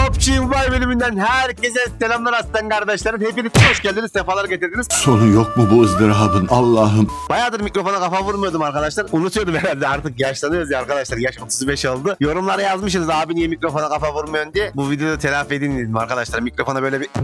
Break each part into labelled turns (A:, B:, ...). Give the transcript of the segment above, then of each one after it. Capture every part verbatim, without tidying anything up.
A: P U B G Mobile bölümünden herkese selamlar aslan kardeşlerim. Hepiniz hoş geldiniz, sefalar getirdiniz.
B: Sonu yok mu bu ızdırabın Allah'ım?
A: Bayağıdır mikrofona kafa vurmuyordum arkadaşlar. Unutuyordum herhalde, artık yaşlanıyoruz ya arkadaşlar. Yaş otuz beş oldu. Yorumlara yazmışsınız abi niye mikrofona kafa vurmuyorsun diye. Bu videoda telafi edin dedim arkadaşlar. Mikrofona böyle bir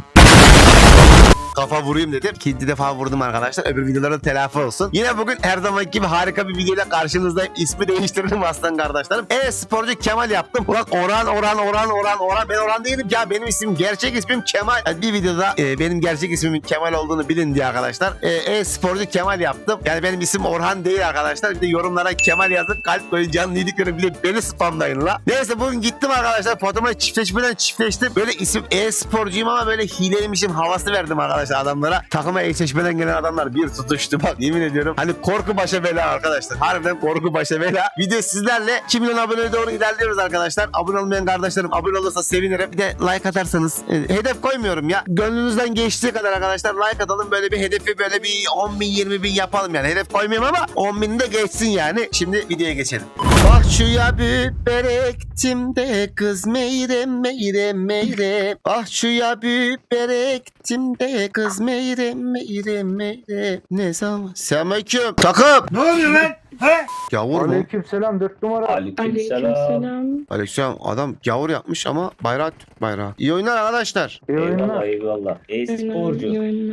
A: kafa vurayım dedim. İkinci defa vurdum arkadaşlar. Öbür videolarda telafi olsun. Yine bugün her zamanki gibi harika bir videoyla karşınızdayım. İsmi değiştirdim aslan kardeşlerim. E-sporcu Kemal yaptım. Ulan Orhan, Orhan, Orhan, Orhan, Orhan. Ben Orhan değilim ya. Benim ismim, gerçek ismim Kemal. Yani bir videoda e, benim gerçek ismimin Kemal olduğunu bilin diye arkadaşlar. E, E-sporcu Kemal yaptım. Yani benim isim Orhan değil arkadaşlar. Bir de yorumlara Kemal yazın. Kalp koyun, canlı iyilikleri bile beni spamlayın la. Neyse bugün gittim arkadaşlar. Fotoğrafı çiftleşmeden çiftleştim. Böyle isim E-sporcuyum ama böyle hileymişim havası verdim arkadaşlar adamlara. Takıma eşleşmeden gelen adamlar bir tutuştu bak, yemin ediyorum. Hani korku başa bela arkadaşlar. Harbiden korku başa bela. Video sizlerle iki milyon aboneye doğru ilerliyoruz arkadaşlar. Abone olmayan kardeşlerim abone olursa sevinirim. Bir de like atarsanız. E, hedef koymuyorum ya. Gönlünüzden geçtiği kadar arkadaşlar like atalım. Böyle bir hedefi böyle bir on bin yirmi bin yapalım yani. Hedef koymuyorum ama on bin de geçsin yani. Şimdi videoya geçelim. Bak şu ya biber ektim de kız meyre meyre meyre. Ah şu ya biber ektim de kız meyre meyre meyre. Ne zaman? Selamünaleyküm. Takım.
C: Ne oluyor lan? He?
A: Gavur mu?
D: Aleykümselam dört numara.
C: Aleykümselam.
E: Aleykümselam.
A: Aleykümselam. Adam gavur yapmış ama bayrağı Türk bayrağı. İyi oyunlar arkadaşlar.
D: İyi
C: Eyvallah
D: oyunlar.
C: eyvallah. E-sporcu.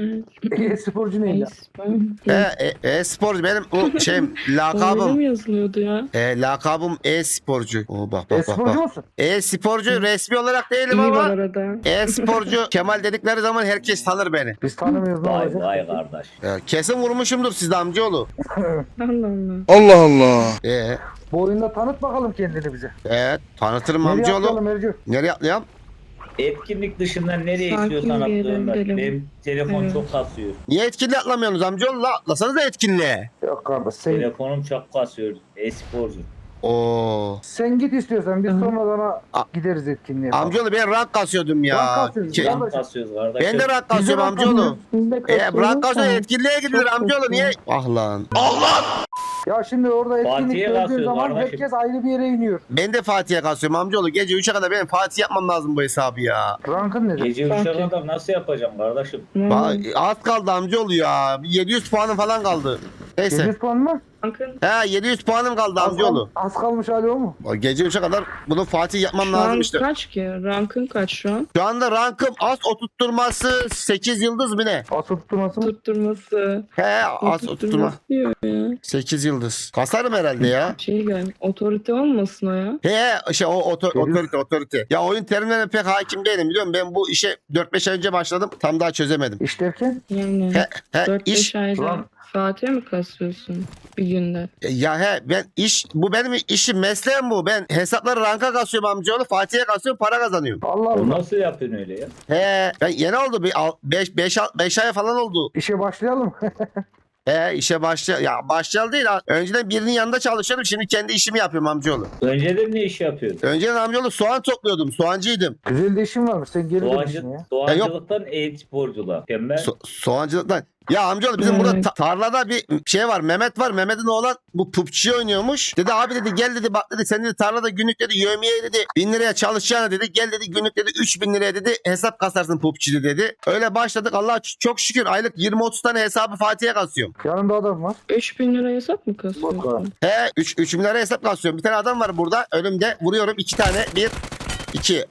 D: E-sporcu neydi?
A: E, e, e-sporcu benim o şey
E: Öyle
A: lakabım.
E: mi yazılıyordu ya?
A: E, lakabım e-sporcu. Oo, bak bak bak
D: E-sporcu
A: bak.
D: musun?
A: E-sporcu resmi olarak değilim
E: İyi bu
A: ama
E: arada.
A: e-sporcu Kemal dedikleri zaman herkes tanır beni.
D: Biz tanımıyoruz ne
C: Vay
D: olacak?
C: vay kardeş.
A: E, kesin vurmuşumdur sizde amcaoğlu.
E: Allah Allah.
B: Allah Allah.
A: E,
D: Bu oyunda tanıt bakalım kendini bize.
A: evet tanıtırım
D: Nereye
A: amcaoğlu.
D: atlayalım Ercü?
A: Nereye atlayalım?
C: Etkinlik dışından nereye
E: Sakin
C: istiyorsan
E: bir yere
C: atlıyorum ben.
E: gidelim.
C: Benim telefon
E: Evet.
C: çok kasıyor.
A: Niye etkinliğe atlamıyorsunuz amcaoğlu? La, atlasanız da etkinliğe.
D: Yok kardeş sen,
C: Telefonum çok kasıyor. E-sporcu.
A: Oo.
D: sen git istiyorsan biz
E: Hı.
D: sonradan
A: A-
D: gideriz etkinliğe.
A: Amcaoğlu ben rank kasıyordum ya.
D: Rank kasıyorsun,
A: Ke-
D: ya.
C: Can kasıyoruz kardeşim.
A: ben de rank
D: Biz de
A: kasıyorum
D: rank
A: amcaoğlu.
E: Biz de
A: E,
E: kasıyoruz
A: rank kasıyor
E: da.
A: etkinliğe gidilir
E: Çok
A: amcaoğlu
E: kötü.
A: niye? Ah lan.
D: Ya şimdi orada etkinlik
C: Fatih'e
D: gördüğün
C: basıyoruz
D: zaman
C: kardeşim.
D: herkes ayrı bir yere iniyor.
A: Ben de Fatih'e kasıyorum amcaoğlu. Gece üçe kadar benim Fatih yapmam lazım bu hesabı ya.
D: Rankın nedir?
C: Gece üçe
E: Fatih.
C: kadar nasıl yapacağım kardeşim?
A: Bak,
E: Hmm.
A: az kaldı amcaoğlu ya. Bir yedi yüz puanım falan kaldı. Neyse.
D: yedi yüz puan mı?
E: Bakın
A: He yedi yüz puanım kaldı
D: Az,
A: amcaoğlu.
D: kal- az kalmış hali o mu?
A: Bak, gece üçe kadar bunu Fatih yapmam
E: şu
A: lazım
E: an
A: işte.
E: kaç ki? Rankın kaç şu an?
A: Şu anda rankım az oturtturması sekiz yıldız mı ne?
D: Asıl tutturması mı?
E: Tutturması.
A: He az oturtturma.
E: Tutturması diyor ya.
A: sekiz yıldız. Kasarım herhalde ya.
E: Şey gel. Otorite olmasın o ya.
A: He şey o otor,
D: Sekiz.
A: otorite otorite. Ya oyun terimlerine pek hakim değilim biliyor musun? Ben bu işe dört beş ay önce başladım. Tam daha çözemedim.
D: İş derken?
E: Yani
A: He, he
E: dört
A: iş
E: beş ayda
D: Ulan.
E: Fatih'e mi kasıyorsun bir günde?
A: ya he ben iş bu benim işim mesleğim bu. Ben hesapları ranka kasıyorum amcaoğlu. Fatih'e kasıyorum para kazanıyorum.
D: Allah
C: O
D: Allah.
C: nasıl yapıyorsun öyle ya?
A: He ben yeni oldu bir beş ay falan oldu.
D: İşe başlayalım.
A: He işe başla ya başlayalı değil ha. Önceden birinin yanında çalışıyordum. Şimdi kendi işimi yapıyorum amcaoğlu.
C: Önceden ne iş yapıyordun?
A: Önceden amcaoğlu soğan topluyordum. Soğancıydım.
D: Güzel de işin varmış. Sen geri
C: Doğancı,
D: dönüşün ya.
C: doğancılıktan e-sporculuğa. Tembel.
A: So- soğancılıktan. Ya amcaoğlu bizim
E: Evet.
A: burada ta- tarlada bir şey var. Mehmet var. Mehmet'in oğlan bu P U B G oynuyormuş. Dedi abi dedi gel dedi bak dedi sen dedi tarlada günlük dedi yevmiye dedi bin liraya çalışacağına dedi. Gel dedi günlük dedi üç bin liraya dedi hesap kasarsın P U B G'de dedi. Öyle başladık. Allah çok şükür aylık yirmi otuz tane hesabı Fatih'e kasıyorum.
D: Yanında adam var.
E: üç bin lira hesap mı
D: Bakalım.
E: kasıyorsun?
A: He üç bin liraya hesap kasıyorum. Bir tane adam var burada. Önümde vuruyorum iki tane. bir iki.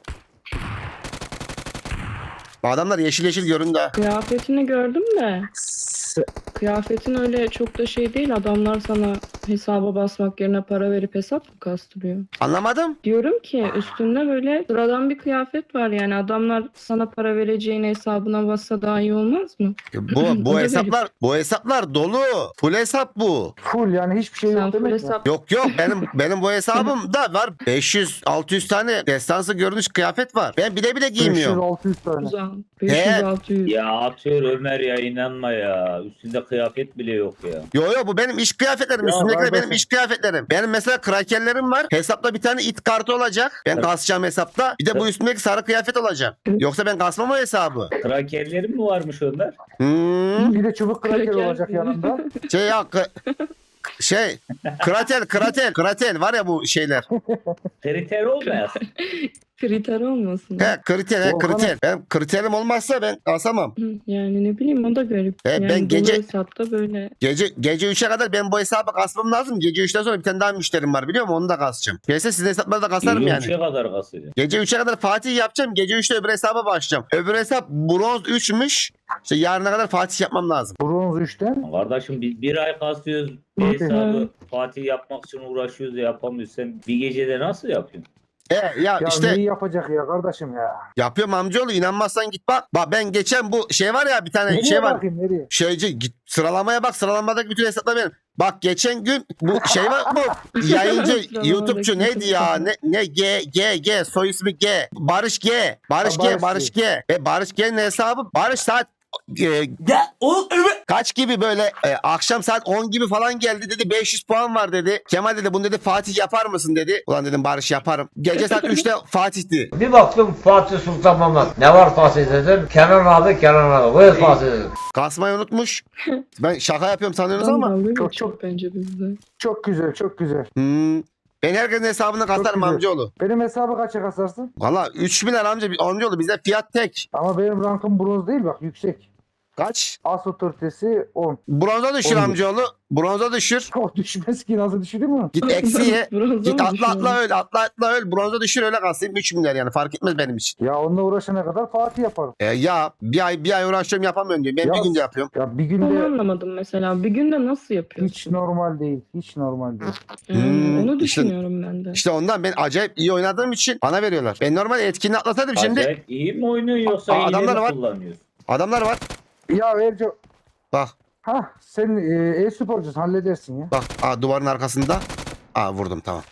A: Bu adamlar yeşil yeşil göründü ha.
E: Kıyafetini gördüm de. Kıyafetin öyle çok da şey değil. Adamlar sana hesaba basmak yerine para verip hesap mı kastırıyor?
A: Anlamadım.
E: Diyorum ki üstünde böyle sıradan bir kıyafet var yani adamlar sana para vereceğine hesabına bassa daha iyi olmaz mı?
A: Bu bu
E: Öyle
A: hesaplar bu hesaplar dolu. Full hesap bu.
D: Full yani hiçbir şey
E: Sen
D: yok
E: full
D: demek mi?
E: hesap
A: Yok yok benim benim bu hesabımda var beş yüz altı yüz tane destansı görünüş kıyafet var. Ben bile bile
D: beş yüz
A: giymiyorum.
D: altı yüz tane.
E: uzan. beş yüz altı yüz.
C: Ya atıyor Ömer ya inanma ya. Üstünde kıyafet bile yok ya.
A: Yo yo bu benim iş kıyafetlerim.
D: Ya
A: Üstümdekiler benim
D: kardeşim.
A: iş kıyafetlerim. Benim mesela krakerlerim var. Hesapta bir tane it kartı olacak. Ben
C: Evet.
A: kasacağım hesapta. Bir de bu üstümdeki sarı kıyafet olacak. Yoksa ben kasmam o hesabı.
C: Krakerlerin mi varmış Ömer?
A: Hmm.
D: Bir de çubuk kraker
E: Kraker.
D: olacak yanında.
A: Şey ya kı- Şey kratel kratel kratel var ya bu şeyler.
C: Kriter olmaz.
E: Kriter olmasın.
A: He kriter he
D: Volkan-
A: kriter. Ben kriterim olmazsa ben asamam.
E: Hı, Yani ne bileyim o da garip.
A: E,
E: yani
A: ben gece-
E: dolu hesapta böyle.
A: Gece gece üçe kadar ben bu hesabı kasmam lazım. Gece üçten sonra bir tane daha müşterim var biliyor musun? Onu da kasacağım. Gelse sizin hesapları da kasarım yani.
C: üçe kadar kasıyor.
A: Gece üçe kadar Fatih yapacağım. Gece üçte öbür hesaba başlayacağım. Öbür hesap bronz üçmüş. İşte yarına kadar Fatih yapmam lazım.
D: Bronz üçten.
C: Kardeşim biz bir ay kasıyoruz. Bir hesabı Fatih yapmak için uğraşıyoruz da yapamıyoruz. Sen bir gecede nasıl yapıyorsun?
A: E ya,
D: Ya
A: işte
D: neyi yapacak ya kardeşim ya?
A: yapıyorum amcaoğlu, inanmazsan git bak. Bak ben geçen bu şey var ya bir tane
D: Nereye
A: şey var.
D: bakayım nereye?
A: Şeyci git sıralamaya bak, sıralamadaki bütün hesaplar benim. Bak geçen gün bu şey var bu yayıncı
E: Sıralamadaki
A: YouTube'cu neydi
E: bütün
A: ya
E: hesaplar.
A: ne ne G G G soy ismi G Barış G Barış
D: Ha,
A: G
D: Barış
A: Barış G ve Barış G'nin hesabı Barış saat e, kaç gibi böyle e, akşam saat on gibi falan geldi dedi, beş yüz puan var dedi. Kemal dedi bunu dedi Fatih yapar mısın dedi. Ulan dedim Barış yaparım. Gece saat üçte Fatih'ti.
F: Bir baktım Fatih Sultan Mehmet. Ne var Fatih dedim. Kenan abi Kenan abi. Buyur Fatih dedim.
A: Kasmayı unutmuş. Ben şaka yapıyorum sanıyorsunuz
E: Adam
A: ama.
E: dalga
D: Çok-
E: geçiyor
D: çok-
E: bence bizde.
D: Çok güzel çok güzel.
A: Hmm. Ben herkesin hesabını kasarım
D: güzel.
A: amcaoğlu.
D: Benim hesabı kaça kasarsın?
A: Valla üç bin lira amca amcaoğlu bizde fiyat tek.
D: Ama benim rankım bronz değil bak yüksek.
A: Kaç?
D: As otoritesi on.
A: Bronza düşür
D: On.
A: amcaoğlu. Bronza düşür.
D: O düşmez ki nasıl düşüreyim mi?
A: Git eksiye.
E: Bronza
A: Git
E: mı
A: atla atla
E: düşünüyorsun?
A: öl. Atla atla öl. Bronza düşür öyle kalsın. üç bin lira yani fark etmez benim için.
D: Ya onunla uğraşana kadar Fatih yaparım.
A: E, ya bir ay bir ay uğraşıyorum yapamıyorum diyor. Ben
D: Ya-
A: bir günde yapıyorum.
D: Ya bir
E: Onu
D: günde
E: anlamadım mesela. Bir günde nasıl yapıyorsun?
D: hiç normal değil. Hiç normal değil.
E: Yani
A: Hmm,
E: onu
A: işte-
E: düşünüyorum ben de.
A: İşte ondan ben acayip iyi oynadığım için bana veriyorlar. Ben normal etkinliği atlasaydım şimdi
C: Acayip iyi mi oynuyorsun yoksa
A: Aa,
C: iyi
A: adamlar
C: mi
A: var.
C: kullanıyorsun?
A: adamlar var.
D: Ya Erco.
A: Bak
D: Ha sen e, e-sporcusun halledersin ya.
A: bak. Aa, duvarın arkasında. Aa vurdum tamam.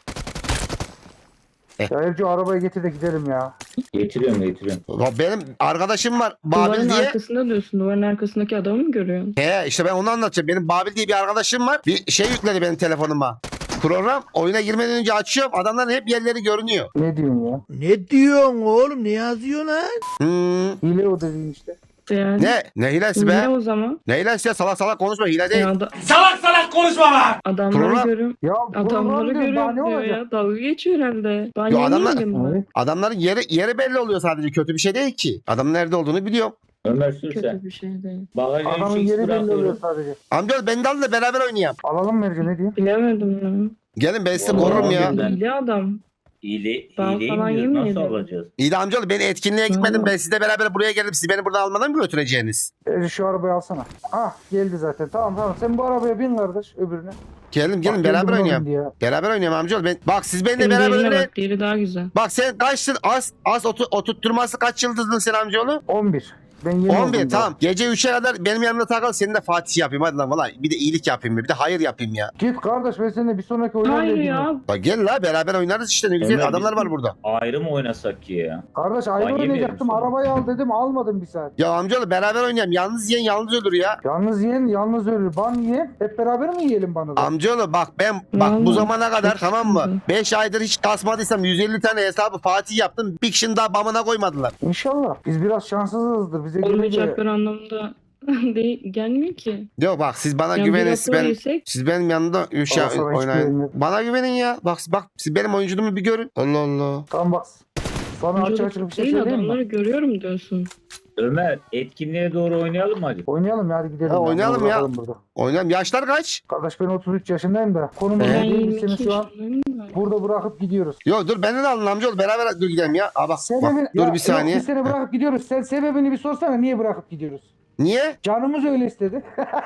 D: Ya Erco arabayı getir de gidelim ya.
C: Getiriyorum getiriyorum.
A: Ya benim arkadaşım var
E: Duvarın
A: Babil diye.
E: arkasında diyorsun. Duvarın arkasındaki adamı mı görüyorsun?
A: He işte ben onu anlatacağım. Benim Babil diye bir arkadaşım var. Bir şey yükledi benim telefonuma. Program oyuna girmeden önce açıyorum. Adamların hep yerleri görünüyor.
D: Ne diyorsun ya?
B: Ne diyorsun oğlum? Ne yazıyorsun lan?
A: Hmm.
D: Hile o dediğin işte.
E: Yani.
A: Ne? Ne hilesi be?
E: Ne o zaman?
A: Ne hilesi ya? Salak salak konuşma. Hile değil.
E: Ya da... Salak salak konuşma lan! Adamları
A: Program-
E: görüyorum.
D: Ya
E: Adamları
D: program diyor, daha
E: görüyorum
D: ne
E: diyor
D: olacak?
E: ya. Dalga geçiyor herhalde. Ben
A: Yo, adamlar-
E: yemeyelim mi?
D: Evet.
A: Adamların yeri yeri belli oluyor sadece. Kötü bir şey değil ki. Adamın nerede olduğunu biliyorum.
C: Ömer sür sen.
E: Kötü bir şey değil.
C: Bagaja
D: Adamın
C: üç x
D: yeri belli oluyor
C: bırakıyorum.
D: sadece.
A: Amcaoğlu beni de alın da beraber oynayalım.
D: Alalım mı Erco ne diyeyim?
E: Bilemedim ya.
A: Gelin ben sizi
C: Vallahi
A: korurum ya.
C: Ben-
E: Hile adam.
C: Hile,
E: Ben
C: hileyim
E: falan
C: diyoruz. Nasıl
E: yemeyelim.
C: alacağız?
A: İyi de amcaoğlu ben etkinliğe gitmedim.
E: Hı.
A: Ben sizle beraber buraya gelip siz beni buradan almadan mı götüreceğiniz?
D: Erco şu arabayı alsana. Ah geldi zaten. Tamam tamam. Sen bu arabaya bin kardeş öbürüne.
A: Gelin gelin
D: Bak,
A: beraber
D: geldi buna
A: oynayalım.
D: bindi ya.
A: Beraber oynayalım amcaoğlu. Ben, bak siz benimle
E: Senin
A: beraber
E: diğerine
A: oynayın.
E: bak. Diğeri daha güzel.
A: Bak sen kaçtın? Az az otu, oturtturması kaç yıldızdın sen amcaoğlu?
D: on bir. Ben yeni
A: on
D: oldum
A: bir
D: daha.
A: tamam. Gece üçe kadar benim yanımda takıl. Senin de Fatih yapayım hadi lan valla. Bir de iyilik yapayım bir de hayır yapayım ya.
D: Git kardeş ben seninle bir sonraki oyuna
E: Hayır
D: geleyim
E: ya.
A: Bak gel la beraber oynarız işte ne güzel
C: Ömer,
A: adamlar
C: biz-
A: var burada.
C: Ayrı mı oynasak ki ya?
D: Kardeş ayrı
C: Ben yemeyelim
D: oynayacaktım.
C: sana.
D: Arabayı al dedim almadım bir saat.
A: Ya amcaoğlu beraber oynayalım. Yalnız yiyen yalnız ölür ya.
D: Yalnız yiyen yalnız ölür. Ban yiyen hep beraber mi yiyelim bana da?
A: Amcaoğlu bak ben bak bu
E: Vallahi
A: zamana kadar
E: çok
A: tamam mı?
E: sıkıntı.
A: beş aydır hiç kasmadıysam yüz elli tane hesabı Fatih yaptım. Bir kişinin daha bamına koymadılar.
D: İnşallah. Biz biraz şanssızızdır. Bize gelince
E: Olmayacaklar anlamda değil, gelmiyor ki.
A: Yok bak siz bana
E: Yani
A: güvenin.
E: bir
A: Siz,
E: rapor
A: ben,
E: yesek
A: siz benim yanımda üç
D: Bana sana hiç
A: oynayın.
D: güvenmiyorum.
A: Bana güvenin ya. Bak bak siz benim oyunculuğumu bir görün. Allah Allah.
D: tamam bak. Sana açık
E: çocuk
D: açık bir şey
E: değil
D: söyleyeyim
E: adamları
D: mi?
E: görüyorum diyorsun.
C: Ömer etkinliğe doğru oynayalım mı hadi?
D: Oynayalım ya hadi gidelim.
A: Ha,
D: ya.
A: oynayalım
D: Dur
A: ya.
D: bakalım Burada.
A: Oynayalım. Yaşlar kaç?
D: Kardeş ben otuz üç yaşındayım da. Konumuz
A: Ee?
E: Ben
D: değil. Biz
E: yirmi
D: seni
E: iki
D: şu an
E: yaşındayım da.
D: burada bırakıp gidiyoruz.
A: Yok dur beni de alın amcaoğlu. Beraber dur gidelim ya. Aa, bak, bak,
D: Sebebini,
A: dur
D: ya,
A: bir saniye.
D: Yok, biz seni bırakıp gidiyoruz. Sen sebebini bir sorsana niye bırakıp gidiyoruz?
A: Niye?
D: Canımız öyle istedi.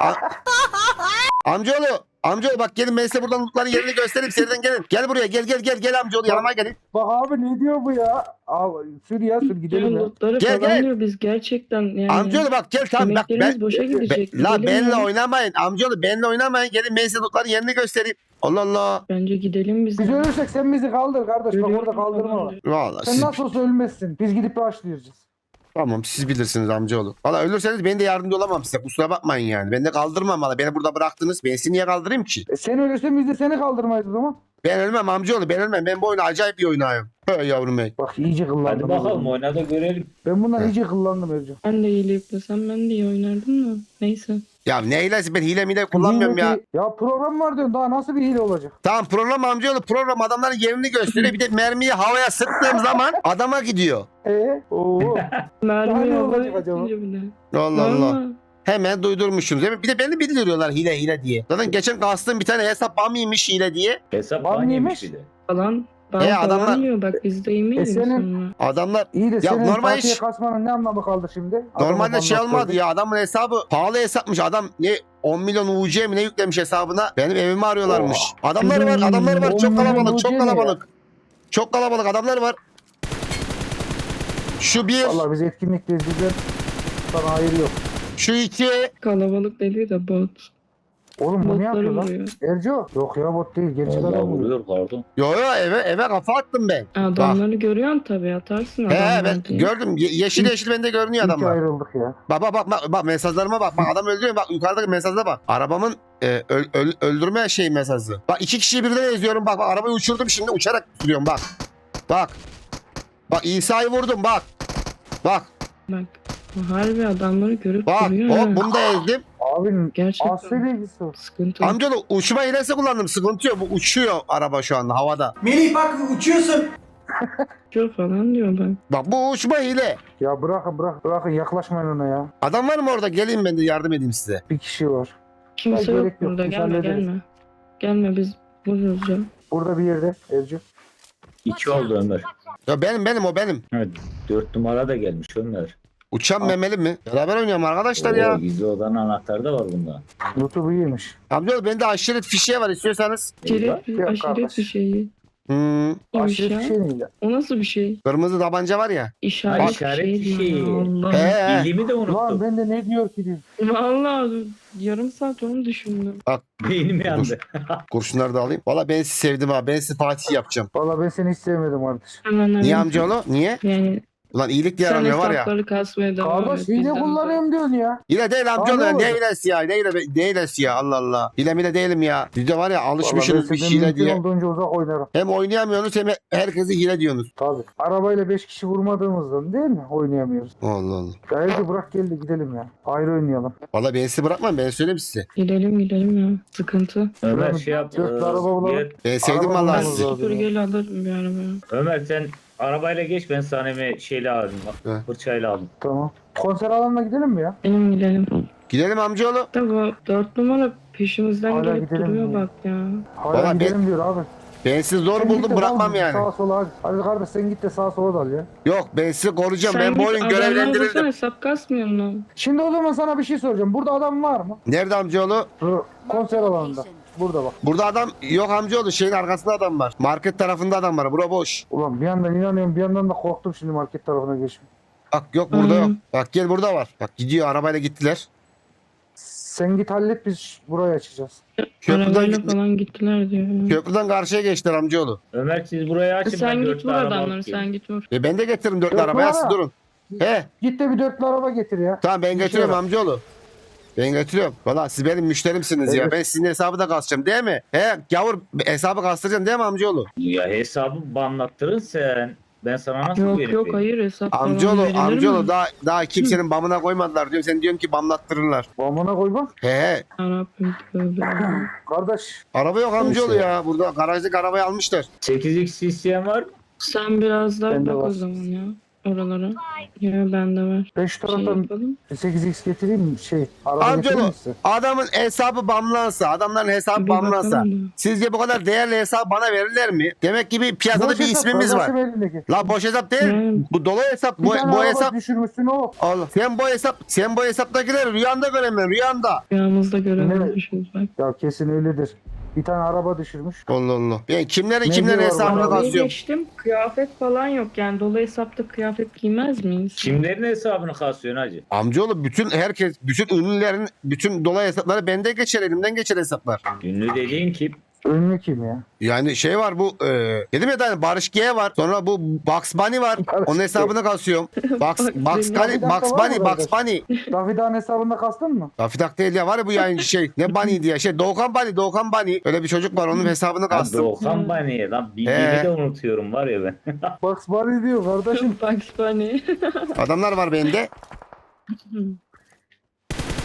A: Amcaoğlu. Amcaoğlu bak gelin ben size buradan lootların yerini göstereyim. Seriden gelin. Gel buraya gel gel gel gel amcaoğlu yanıma gelin.
D: Bak abi ne diyor bu ya? Al, sür ya sür gidelim
E: Ya
D: ya.
E: lootları
A: Gel, gel.
E: kazanıyor biz gerçekten yani.
A: Amcaoğlu bak gel tamam bak
E: Emeklerimiz
A: ben.
E: boşa gidecek.
A: Be, la
E: Gidelim
A: benle
E: ya.
A: oynamayın. Amcaoğlu benle oynamayın. Gelin ben size lootların yerini göstereyim. Allah Allah.
E: Bence gidelim biz.
D: Biz ölürsek sen bizi kaldır kardeş. Bak
E: Ölüyorum
D: orada kaldırma
E: falan
D: var.
E: diyor.
A: Vallahi
D: Sen
A: siz,
D: nasıl olsa ölmezsin. Biz gidip başlayacağız.
A: tamam siz bilirsiniz amcaoğlu. Valla ölürseniz ben de yardımcı olamam size. Kusura bakmayın yani. Ben de kaldırmam valla. Beni burada bıraktınız. Ben sizi niye kaldırayım ki?
D: E sen ölürsen biz de seni kaldırmayız o zaman.
A: Ben ölmem amcaoğlu. Ben ölmem. Ben bu oyunu acayip bir oynuyorum. Hey yavrum hey.
D: Bak iyice kıllandım.
C: Hadi bakalım oyna da görelim.
D: Ben bundan iyice kıllandım Ercan.
E: Ben de iyi yüklesem ben de iyi oynardım da. Neyse.
A: Ya ne hilesi, ben hile mile kullanmıyorum ya.
D: Hile- Ya program var diyorsun, daha nasıl bir hile olacak?
A: Tamam program amcaoğlu, program adamların yerini gösteriyor. Bir de mermiyi havaya sıktığım zaman adama gidiyor.
D: Eee? Oo. Daha
E: Mermi
D: ne
E: havaya
D: olacak acaba?
E: atınca bile.
A: Allah Allah.
E: Vallahi.
A: Hemen duydurmuşum değil mi? Bir de beni bildiriyorlar hile hile diye. Zaten geçen kastım bir tane hesap bamiymiş hile diye.
C: Hesap
D: Var
C: ban yemiş
D: mıymış?
C: bir de.
E: Falan. Ben
A: E,
E: falan
A: adamlar-
E: diyor bak biz de yemeyiz
D: E, senin-
E: sonra.
A: Adamlar
D: İyi de senin
A: normal
D: Fatih'e
A: iş.
D: kasmanın ne anlamı kaldı şimdi? Adamı
A: normalde şey
D: anlattırdın.
A: olmadı ya, adamın hesabı pahalı hesapmış. Adam ne on milyon U C mi ne yüklemiş hesabına. Benim evimi arıyorlarmış. Adamlar var, adamlar var.
D: on
A: Çok
D: milyon
A: kalabalık,
D: U C
A: çok
D: ne
A: kalabalık. Çok kalabalık adamlar var. Şu bir,
D: Vallahi biz etkinlikteyiz, bizden sana hayır yok.
A: şu iki.
E: Kalabalık dediği de bot.
D: Oğlum bu ne yapıyor
E: Botları
D: lan?
E: vuruyor.
D: Erco. Yok ya, bot değil. Gerçek
C: Vallahi
D: adam vuruyor.
C: vuruyor pardon.
A: Yo yo eve eve kafa attım ben.
E: Adamları görüyorsun tabii atarsın
A: He
E: adamlar
A: ben
E: diye.
A: gördüm. Ye- yeşil yeşil bende görünüyor
D: İyi ki
A: adamlar.
D: ayrıldık ya.
A: Bak bak bak bak, bak mesajlarıma bak. Bak adam öldürüyor. Bak yukarıdaki mesajda bak. Arabamın e, öl- öl- öldürme şey mesajı. Bak iki kişiyi birden eziyorum. Bak bak arabayı uçurdum şimdi uçarak sürüyorum bak. Bak. Bak İsa'yı vurdum bak. Bak.
E: Bak. Harbi adamları görüp
A: Bak.
E: duruyor.
A: Hop
E: ha.
A: bunu da ezdim.
D: Abinin
E: Gerçekten
D: aslı bilgisi o.
E: sıkıntı.
A: Amcaoğlu uçma hilesi kullandım. Sıkıntı yok. Bu uçuyor araba şu anda havada.
B: Melih bak uçuyorsun.
E: Uçuyor falan diyor bak.
A: Bak bu uçma hile.
D: Ya bırakın bırak, bırakın yaklaşmayın ona ya.
A: Adam var mı orada? Geleyim ben de yardım edeyim size.
D: Bir kişi var.
E: Kimse
D: Ya
E: yok
D: gerek yok,
E: burada
D: biz
E: gelme
D: hallederiz.
E: gelme. Gelme biz vururuz ya.
D: Burada bir yerde Erco.
C: İki oldu Ömer.
A: Ya benim benim o benim.
C: Evet, dört numara da gelmiş Ömer.
A: Uçan memeli mi? Beraber oynayalım arkadaşlar
C: Oo,
A: ya.
C: gizli odanın anahtarı da var bunda.
D: YouTube'u iyiymiş.
A: Amcaoğlu bende aşiret fişeği var istiyorsanız.
E: Aşiret,
D: Yok
E: aşiret
D: kardeş.
E: bir şey.
A: Hmm,
E: İyiymiş
D: Aşiret
E: ya.
D: bir şey neydi?
E: O nasıl bir şey?
A: kırmızı tabanca var ya.
E: İşaret,
C: İşaret
E: bir şey.
C: fişeği.
E: Allah.
A: He.
C: Bildiğimi de
D: Lan
C: unuttum.
D: ben de ne diyor ki diyor.
E: Vallahi yarım saat onu düşündüm.
C: Beynim yandı.
A: Kurşunları da alayım. Valla ben sizi sevdim ha. Ben sizi Fatih yapacağım.
D: Valla ben seni hiç sevmedim kardeş.
E: Hemen hemen.
A: Niye amcaoğlu? Niye?
E: Yani
A: Ulan iyilik diye
E: sen
A: aramıyor var ya.
E: hesapları kasmaya devam
D: Kardeş
E: et.
D: hile
E: bizden de.
D: kullanıyorum diyorsun ya.
A: Hile değil amcaoğlu.
D: Aa, ne
A: Ne
D: olacak?
A: hilesi ya? Ne hile, ne hilesi ya? Allah Allah. Hile mile değilim ya. Biz de var ya
D: Vallahi ben
A: alışmışsınız bir
D: senden
A: hile
D: mümkün
A: diye.
D: olduğunca uzak oynarım.
A: Hem oynayamıyorsunuz hem herkesi hile diyorsunuz.
D: Tabii. Arabayla beş kişi vurmadığımızdan değil mi? Oynayamıyoruz.
A: Allah Allah.
D: Ya Erco bırak gel de gidelim ya. Ayrı oynayalım.
A: Valla ben sizi bırakmam. Ben söyleyeyim size.
E: Gidelim gidelim ya. Sıkıntı.
C: Ömer
D: Şuradan
C: şey yap.
D: dört
C: e,
D: araba bulalım.
C: gel.
A: Ben sevdim
D: Araba
A: vallahi
D: bulmamız
A: sizi.
D: lazım.
E: Dur gel alırım bir arabaya.
C: Ömer sen arabayla geç, ben sana bir şeyle aldım.
A: He.
C: Bak fırçayla aldım.
D: Tamam. Konser alanına gidelim mi ya?
E: Benim gidelim.
A: Gidelim amcaoğlu.
E: Da bu dört numara peşimizden
D: Hala
E: gelip
D: gidelim
E: duruyor
D: mi?
E: bak ya.
D: Hala
A: Valla
D: gidelim diyor abi.
A: Ben sizi zor
D: Sen git
A: buldum
D: de
A: bırakmam
D: dal
A: yani.
D: Sağa sola hadi. Hadi kardeş sen git de sağa sola dal ya.
A: Yok ben sizi koruyacağım. Ben bu
E: git
A: oyun
E: adamları bulsana,
A: görevlendirildim.
E: hesap kasmıyor mu?
D: Şimdi o zaman sana bir şey soracağım. Burada adam var mı?
A: Nerede amcaoğlu?
D: Dur, konser alanında. Burada bak.
A: Burada adam yok amcaoğlu. Şeyin arkasında adam var. Market tarafında adam var. Bura boş.
D: Ulan bir yandan inanıyorum bir yandan da korktum şimdi market tarafına geçme.
A: Bak yok burada
E: Hı.
A: yok. Bak gel burada var. Bak gidiyor arabayla gittiler.
D: Sen git hallet biz burayı açacağız.
A: Köprüden,
E: Arabayla
A: git-
E: falan gittiler diyor.
A: köprüden karşıya geçtiler amcaoğlu.
C: Ömer siz burayı açın.
E: Sen
C: ben
E: git
C: dörtlü
E: vur
C: araba
E: adamları
C: alıp geleyim.
E: sen git vur.
A: E ben de getiririm dörtlü
D: Dörtlü
A: arabaya
D: araba.
A: siz durun. He
D: Git de bir dörtlü araba getir ya.
A: tamam ben
D: Bir
A: getiriyorum
D: şey
A: amcaoğlu. Ben getiriyorum. Valla siz benim müşterimsiniz ya.
D: Evet.
A: Ben sizin hesabı da kasacağım değil mi? He gavur hesabı kastıracaksın değil mi amcaoğlu?
C: Ya hesabı banlattırın sen. Ben sana nasıl
E: Yok
C: verip
E: yok
C: vereyim?
E: hayır hesap falan
A: Amcaoğlu
E: verilir
A: amcaoğlu
E: mi?
A: daha, daha kimsenin bamına koymadılar diyorum. Sen diyorsun ki bamlattırırlar.
D: Bamına koy bak.
A: He he.
E: Yarabbim tövbe.
D: Kardeş.
A: Araba yok amcaoğlu
D: Neyse.
A: ya. Burada garajdaki arabayı almışlar.
C: sekiz x isteyen var mı?
E: Sen biraz daha
D: Bende
E: bak
D: var.
E: o zaman ya. Oralara. Ya bende var.
D: Ben şu
E: Şey
D: taraftan
E: yapalım.
D: sekiz x getireyim mi? Şey araba getireyim
A: Amcaoğlu
D: mi size?
A: adamın hesabı bamlansa, adamların hesabı
E: Bir
A: bamlansa.
E: bakalım da.
A: Sizce bu kadar değerli hesap bana verirler mi? Demek ki bir piyasada
D: Boş
A: bir
D: hesap,
A: ismimiz var.
D: kardeşim elindeki.
A: La boş hesap değil.
E: Hmm.
A: Bu dolu hesap.
D: Bir
A: Bu,
D: tane
A: bu
D: araba
A: hesap.
D: düşürmüşsün o.
A: Allah. Sen bu hesap, sen bu hesaptakileri rüyanda göremiyorsun. Rüyanda.
E: Rüyamızda görememişiz bak.
D: Ya kesin öyledir. Bir tane araba düşürmüş.
A: Allah Allah. Ben kimlerin
D: Ne
A: kimlerin
D: diyor
A: hesabını
D: bana?
E: Arabayı
A: kasıyorum.
E: geçtim. Kıyafet falan yok yani. Dolu hesapta kıyafet giymez miyiz?
C: Kimlerin hesabını kasıyorsun hacı?
A: Amcaoğlu bütün herkes, bütün ünlülerin, bütün dolayı hesapları bende geçer, elimden geçer hesaplar.
C: Ünlü dediğin kim?
D: Ünlü kim ya?
A: Yani şey var bu, e, dedim ya da Barış G var. Sonra bu Bugs Bunny var.
D: Barış
A: Onun
D: G.
A: hesabını kasıyorum. Bugs, Bugs
E: Bunny.
A: Bunny,
D: Bir dakika
A: Bugs
D: var mı
A: Bunny,
D: bu
A: Bugs Bunny.
D: Dafidan hesabında kastın mı?
A: Dafidak değil ya var ya bu yayıncı şey. Ne Bunny diye şey. Doğukan Bunny, Doğukan Bunny. Öyle bir çocuk var onun hesabını
C: Ya
A: kastım.
C: Doğukan Baniye lan. Bildiğimi
A: He.
C: de unutuyorum var ya ben.
D: Bugs Bunny diyor kardeşim.
E: Bugs Bunny.
A: Adamlar var bende.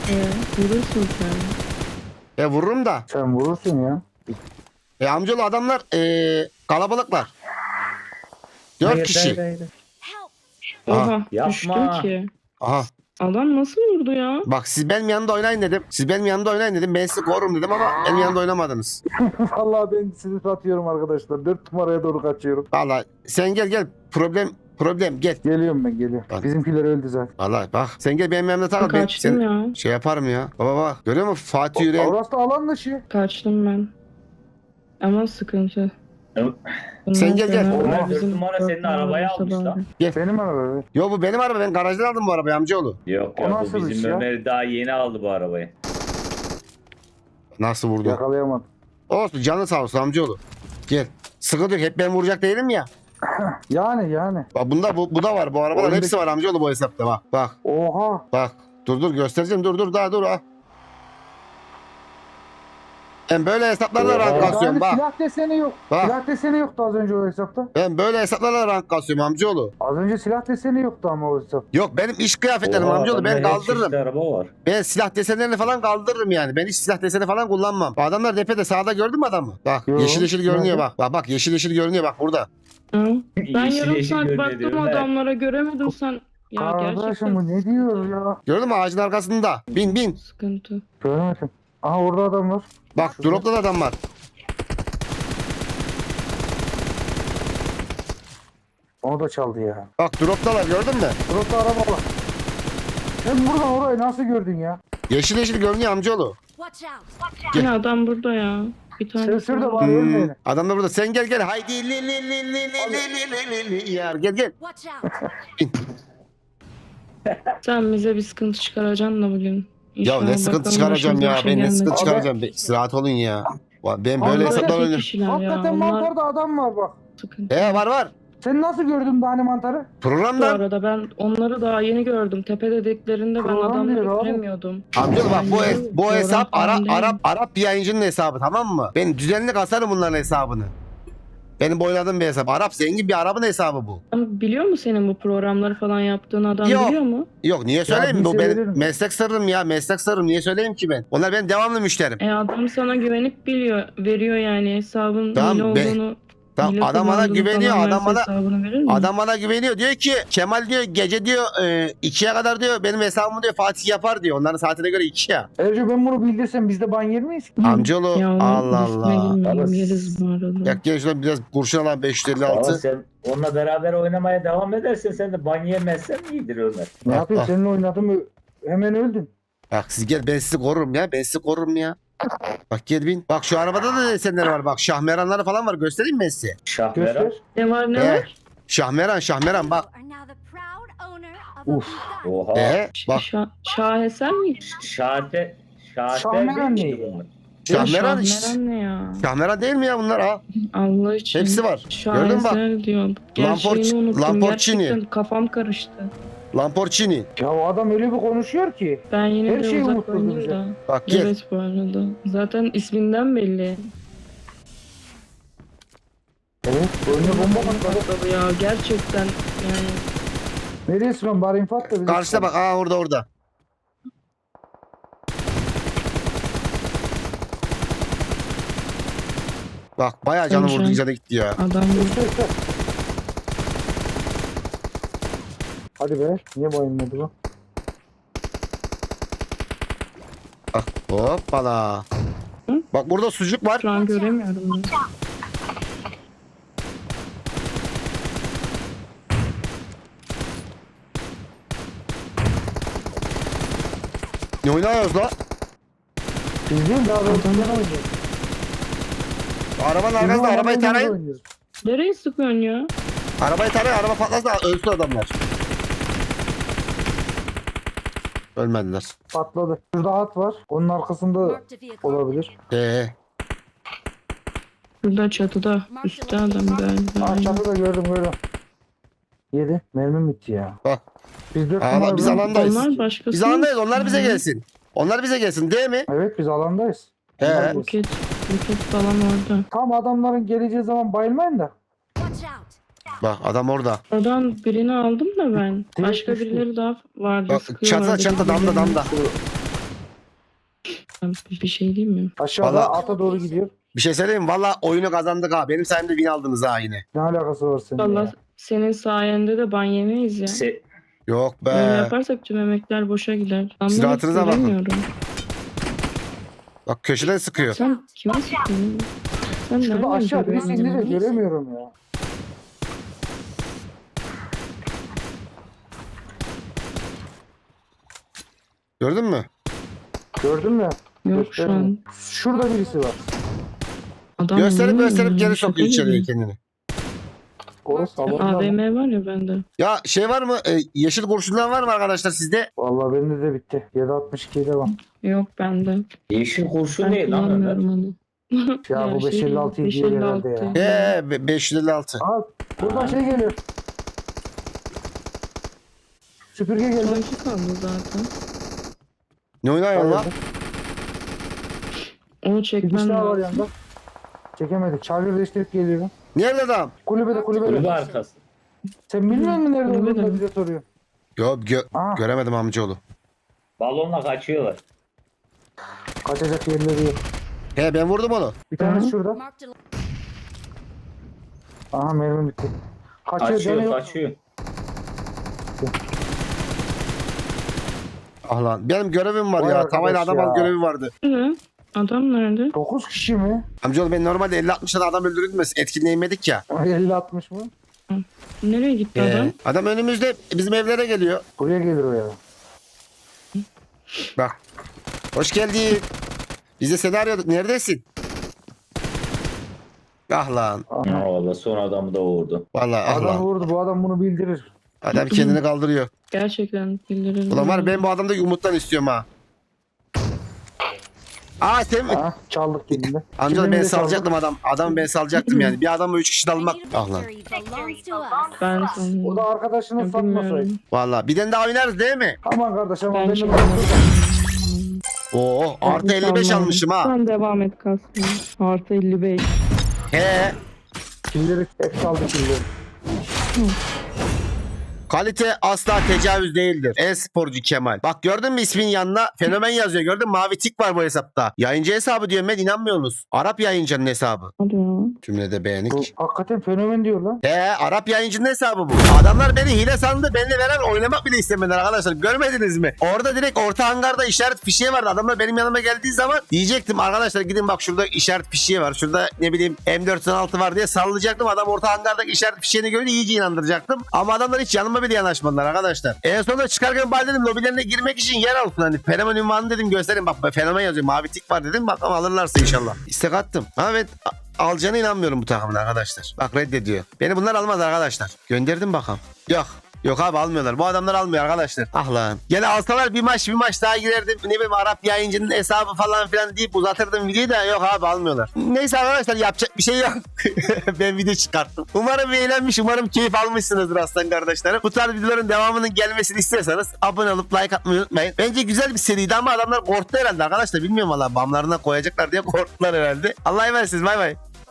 E: Ee, vurursun sen.
A: E vururum da.
D: Sen vurursun ya.
A: E amcalı adamlar e, kalabalıklar. Dört
C: Hayır,
A: kişi.
C: hayır, hayır.
A: Aha.
E: Oha
C: Yapma.
E: düştüm ki.
A: Aha.
E: Adam nasıl vurdu ya?
A: Bak siz benim yanımda oynayın dedim. Siz benim yanımda oynayın dedim. Ben sizi korurum dedim ama benim yanımda oynamadınız.
D: Vallahi ben sizi satıyorum arkadaşlar. Dört numaraya doğru kaçıyorum.
A: Valla sen gel gel. Problem problem gel.
D: Geliyorum ben geliyorum.
A: Bak.
D: Bizimkiler öldü zaten.
A: Valla bak sen gel benim yanımda takıl. Ben
E: Kaçtım
A: seni
E: ya.
A: şey yaparım ya. Baba bak görüyor musun Fatih Yüreğin.
D: Orası da alan dışı.
E: Kaçtım ben. Ama sıkıntı.
C: Yok.
E: Bundan
A: Sen gel, gel.
E: sonra
C: Onlar
E: bizim
C: dört numara senin
E: dört
C: arabayı
E: numara
C: almış
E: olsa
C: lan.
E: bari.
D: Benim araba.
A: Yo bu benim araba ben garajdan aldım bu arabayı amcaoğlu.
C: Yok
D: O
C: ya bu
D: nasıl iş
C: bizim
D: ya?
C: Ömer daha yeni aldı bu arabayı.
A: Nasıl vurdu?
D: Yakalayamadım.
A: Olsun canı sağ olsun amcaoğlu. Gel. Sıkıntı yok hep ben vuracak değilim ya.
D: Yani yani.
A: Bak bunda bu, bu da var bu arabalar
D: Oyundaki-
A: hepsi var amcaoğlu bu hesapta bak. Bak
D: Oha.
A: bak. Dur dur göstereceğim dur dur daha dur ha. Ben böyle hesaplarla rank
C: Oha.
A: kasıyorum
D: Yani
A: bak.
D: silah deseni yok.
A: Bak.
D: Silah deseni yoktu az önce o hesapta.
A: Ben böyle hesaplarla rank kasıyorum amcaoğlu.
D: Az önce silah deseni yoktu ama o hesap.
A: Yok benim iş kıyafetlerim
C: Oha,
A: amcaoğlu ben
C: adamda her çeşit
A: kaldırırım.
C: araba var.
A: Ben silah desenlerini falan kaldırırım yani. Ben hiç silah deseni falan kullanmam. Bu adamlar tepede sağda gördün mü adamı? Bak
D: Yo,
A: yeşil yeşil görünüyor
D: nerede?
A: bak. Bak bak yeşil yeşil görünüyor bak burada.
E: Hı? Ben
C: Yeşil
E: yarım
C: yeşil
E: saat
C: görünüyor
E: baktım
C: diyorum, evet.
E: adamlara göremedim sen. Ya
D: Kardeşim
E: gerçekten
D: bu ne diyor ya?
A: Gördün mü ağacın arkasında? Bin bin.
E: sıkıntı.
D: Görmedim. Aha orada adam var.
A: Bak dropta da adam var.
D: Onu da çaldı ya.
A: Bak droptalar gördün mü?
D: Burası araba var. Sen buradan orayı nasıl gördün ya?
A: Yeşil yeşil görünüyor amcaoğlu.
G: Watch out!
E: Yine adam burada ya. Bir tane.
D: Sen şurada var
A: Hmm,
D: ölmeyin.
A: adam da burada. Sen gel gel. Haydi li li li li li li li li li yar gel gel.
G: Watch out!
E: Sen bize bir sıkıntı çıkaracaksın da bugün.
A: Ya
E: İnşallah
A: ne sıkıntı
E: bakalım
A: çıkaracağım ya.
E: başımıza bir şey
A: Ben ne sıkıntı
E: gelmez.
A: çıkaracağım. Be, rahat olun ya. Ben böyle
D: Vallahi
A: hesaplar
E: Tek
A: oynuyorum.
E: kişiler ya.
D: Hakikaten
E: Onlar
D: mantarda adam var bak.
E: sıkıntı.
A: He var var.
D: Sen nasıl gördün tane mantarı?
E: Bu
A: Programdan.
E: arada ben onları daha yeni gördüm. Tepe dediklerinde ben
D: Program
E: adamları
D: diyor abi.
E: göremiyordum.
A: Amcaoğlu bak bu,
E: Yani
A: bu
E: program
A: hesap
E: falan
A: Arap,
E: değil.
A: Arap, Arap bir yayıncının hesabı tamam mı? Ben düzenli kasarım bunların hesabını. Benim boyladığım bir hesap. Arap zengin bir Arap'ın hesabı bu.
E: Ama biliyor mu senin bu programları falan yaptığın adam
A: Yok.
E: biliyor mu?
A: Yok niye söyleyeyim?
D: bilse
A: Bu benim
D: veririm.
A: meslek sırrım ya. Meslek sırrım. Niye söyleyeyim ki ben? Onlar benim devamlı müşterim.
E: E adam sana güvenip biliyor, veriyor yani hesabın
A: Tamam,
E: hile
A: be-
E: olduğunu.
A: Tamam
E: hile
A: adam bana
E: kullandığını
A: güveniyor.
E: falan
A: Adam
E: verse
A: bana
E: hesabını verir mi?
A: adam bana güveniyor. Diyor ki Kemal diyor gece diyor e, ikiye kadar diyor benim hesabımı diyor Fatih yapar diyor. Onların saatine göre iki ya.
D: Erce ben bunu bildirsem biz de ban yer miyiz?
A: Amcaoğlu
E: Ya onun
A: Allah
E: riskine
A: Allah.
E: girmeyelim,
C: Allah.
E: yeriz bu arada.
A: Ya gel şuradan biraz kurşun alan beş yüz elli
C: Ama
A: altı.
C: sen onunla beraber oynamaya devam edersen sen de ban yemezsen iyidir Ömer.
D: Ne
A: Bak,
D: yapayım
A: bak.
D: seninle oynadım ö- hemen öldün.
A: Bak siz gel ben sizi korurum ya. Ben sizi korurum ya. Bak gel bin. Bak şu arabada da desenler var. Bak şahmeranları falan var. Göstereyim mi ben size?
C: Şahmeran.
D: Göster.
E: Ne var ne
A: He.
E: var?
A: Şahmeran şahmeran bak.
G: You are now the proud owner of a
D: Uf.
G: gun.
C: Oha.
A: Ee, bak
E: Şa şaheser mi?
C: Şahte. Şahte
D: Şahmeran
C: değil
D: ne
C: miydi bunlar?
A: şahmeran
E: Şahmeran ne ya?
A: şahmeran değil mi ya bunlar ha?
E: Allah için.
A: Hepsi var. Gördün mü bak?
E: Şaheser diyor. Gerçeğini
A: Lamborghini-
E: unuttum.
A: Lamborghini.
E: Gerçekten kafam karıştı.
A: Lamborghini.
D: Ya o adam öyle bir konuşuyor ki.
E: Ben yine
D: Her
E: de
D: şeyi
E: uzak
D: unutturdu
E: oynayayım
D: bize.
E: da.
A: Bak gel.
E: Evet bu arada. Zaten isminden belli.
D: Evet. Önüne bomba patladı.
E: Tabii ya gerçekten yani.
D: Nereye sıkıyorsun? Bari infat da bize.
A: Karşıda bak. Aa orada orada. Bak bayağı canı
E: Konuşan.
A: vurdu canı gitti ya.
E: Adam
D: Göster, göster. Hadi be. Niye bayılmadı bu?
A: Bak hoppala.
E: Hı?
A: Bak burada sucuk var.
E: şu an göremiyorum ben.
A: Ne oynuyoruz la?
D: Biz değil daha ben
E: Adam-
D: sen oynayacağız.
A: Arabanın
D: Bizim
A: arkasında arabayı
D: arabayla
A: tarayın.
D: oynuyoruz.
E: Nereye sıkıyorsun ya?
A: Arabayı tarayın. Araba patlarsa ölsün adamlar. Ölmediler.
D: Patladı. Şurada at var. Onun arkasında
G: Marked a vehicle.
D: olabilir.
A: Ee,
E: Burada çatıda. Üstte adam galiba.
D: Ah
E: Aynen.
D: çatıda gördüm gördüm. Yedi. Mermim bitti ya.
A: bak.
D: Biz dört
A: Aa,
D: numara
A: biz
D: bölüm-
A: alandayız.
E: Onlar başkası.
A: Biz alandayız. Onlar bize
E: Hı.
A: gelsin. Onlar bize gelsin değil mi?
D: Evet biz alandayız.
A: He.
D: Onlar gelsin.
E: Roket, roket falan orada.
D: Tam adamların geleceği zaman bayılmayın da.
G: Watch out!
A: Bak adam orada.
E: Oradan birini aldım da ben.
D: Direkt
E: Başka
D: düştü.
E: birileri daha vardı.
A: Bak
E: sıkıyorlardı
A: çatıda çatıda damda
E: birbirlerine.
A: damda.
E: Ben bir şey diyeyim mi?
D: Aşağıda
A: Vallahi-
D: ata doğru gidiyor.
A: Bir şey söyleyeyim mi? Valla oyunu kazandık ha. Benim sayemde win aldınız ha yine.
D: Ne alakası var senin
E: Valla
D: ya?
E: senin sayende de ban yemeyiz ya.
C: Se
A: Yok be.
E: Böyle yaparsak tüm emekler boşa gider. Ben
A: Siz
E: bunu
A: rahatınıza bakın.
E: göremiyorum.
A: Bak köşeden sıkıyor.
E: Sen kime sıkıyorsun? Sen
D: Şurada
E: nereden
D: aşağı birisi
E: görüyorsun?
D: indi de göremiyorum ya.
A: Gördün mü?
D: Gördün mü?
E: Yok şu an.
D: Şurada birisi var.
E: Adam
A: Gösterip
E: niye
A: gösterip
E: öyle
A: geri
E: bir
A: sokuyor
E: şaka
A: içeriye
E: gibi?
A: kendini.
D: Orası salonda
E: A V
D: mı?
E: M var ya bende.
A: Ya şey var mı? E, yeşil kurşunlar var mı arkadaşlar sizde?
D: Vallahi bende de bitti. yedi altmış iki'de var.
E: Yok bende.
C: yeşil kurşun
E: Ben
C: ne lan Ömer?
E: kullanmıyorum onu.
D: Ya bu
E: şey,
D: beş elli altıyı
E: beş
D: diyor
E: elli
D: herhalde ya.
E: altı.
A: He be- beş yüz elli altı.
D: Aa, buradan şey geliyor. Süpürge geldi.
E: Son iki kaldı zaten.
A: Ne oynuyorsun lan?
E: Onu
D: Bir
E: çekmem
D: kişi daha var
E: lazım.
D: yanında. Çekemedik. Charger değiştirip geliyorum.
A: Nerede adam?
D: Kulübede kulübede.
C: Kulübe arkası.
D: Sen bilmiyor musun nerede
E: Kulübede
D: olduğunu da
E: mi?
D: bize soruyor.
A: Yok gö-
D: Aa,
A: göremedim amcaoğlu.
C: Balonla kaçıyorlar.
D: kaçacak yerleri yok.
A: He ben vurdum onu.
D: Bir tanesi
E: Hı.
D: şurada.
G: Marked a
D: Aha mermi bitti. Kaçıyor,
C: Kaçıyor
D: dönüyor.
C: kaçıyor.
A: Ah lan benim görevim var
D: Vay
A: ya.
D: arkadaş
A: Tavayla adam al
D: ya.
A: görevi vardı.
E: Ne? Adam nerede?
D: dokuz kişi mi?
A: Amcaoğlu ben normalde elli altmış tane adam öldürürdüm. Etkinliğe inmedik ya.
D: elli altmış mı?
E: Nereye gitti
A: Ee,
E: adam?
A: adam önümüzde bizim evlere geliyor.
D: Buraya gelir o ya.
A: Bak. Hoş geldin. Biz de seni arıyorduk. Neredesin? Ah lan.
D: Aha.
C: Ya valla son adamı da vurdu.
A: Vallahi ah
D: Adam
A: lan.
D: vurdu. Bu adam bunu bildirir.
A: Adam kendini kaldırıyor.
E: Gerçekten bildiririm.
A: Ulan var ya, ben bu adamdaki umuttan istiyorum ha. Aa sen mi?
D: Ha, çaldık dilinde.
A: Amcaoğlu ben
D: Kimliğini de
A: salacaktım adam. Adamı ben salacaktım yani. Bir adamı üç kişi de almak. Ah lan.
G: victory belongs to us.
E: Ben
D: O
E: sanırım.
D: da arkadaşını
E: Ben
D: satmasaydı.
E: bilmiyorum.
A: Vallahi bir tane daha oynarız değil mi?
D: Aman kardeş ama
E: Ben
D: benim
E: şey
A: Oo artı elli beş almışım ha.
E: Sen devam et kasmaya. Artı elli beş.
A: He.
D: killeri hep çaldı killeri.
A: Kalite asla tecavüz değildir. E-sporcu Kemal. Bak gördün mü ismin yanına fenomen yazıyor. Gördün mü? Mavi tik var bu hesapta. Yayıncı hesabı diyorum ben, inanmıyorsunuz. Arap yayıncının hesabı.
E: Hadi ya.
A: Cümlede
D: Bu
A: beğenik.
D: hakikaten fenomen diyor lan.
A: He Arap yayıncının hesabı bu. Adamlar beni hile sandı. Benimle veren oynamak bile istemediler arkadaşlar. Görmediniz mi? Orada direkt orta hangarda işaret fişeği vardı. Adamlar benim yanıma geldiği zaman diyecektim arkadaşlar gidin bak şurada işaret fişeği var. Şurada ne bileyim M dört altı var diye sallayacaktım. Adam orta hangardaki işaret fişeğini görünce iyice inandıracaktım. Ama adamlar hiç yanıma bile yanaşmadılar arkadaşlar. En sonunda çıkarken bari dedim lobilerine girmek için yer alsın. Hani fenomen ünvanı dedim gösterin bak fenomen yazıyor. Mavi tik var dedim. Bakalım alırlarsa inşallah. İstek attım. Ha, evet a- alacağına inanmıyorum bu takımın arkadaşlar. Bak reddediyor. Beni bunlar almaz arkadaşlar. Gönderdim bakalım. Yok. Yok abi almıyorlar. Bu adamlar almıyor arkadaşlar. Ah lan. Gene alsalar bir maç bir maç daha girerdim. Ne bileyim Arap yayıncının hesabı falan filan deyip uzatırdım videoyu da yok abi almıyorlar. Neyse arkadaşlar yapacak bir şey yok. Ben video çıkarttım. Umarım eğlenmiş, umarım keyif almışsınızdır aslan kardeşlerim. Bu tarz videoların devamının gelmesini istiyorsanız abone olup like atmayı unutmayın. Bence güzel bir seriydi ama adamlar korktu herhalde arkadaşlar. Bilmiyorum valla bamlarına koyacaklar diye korktular herhalde. Allah'a emanet bay bay.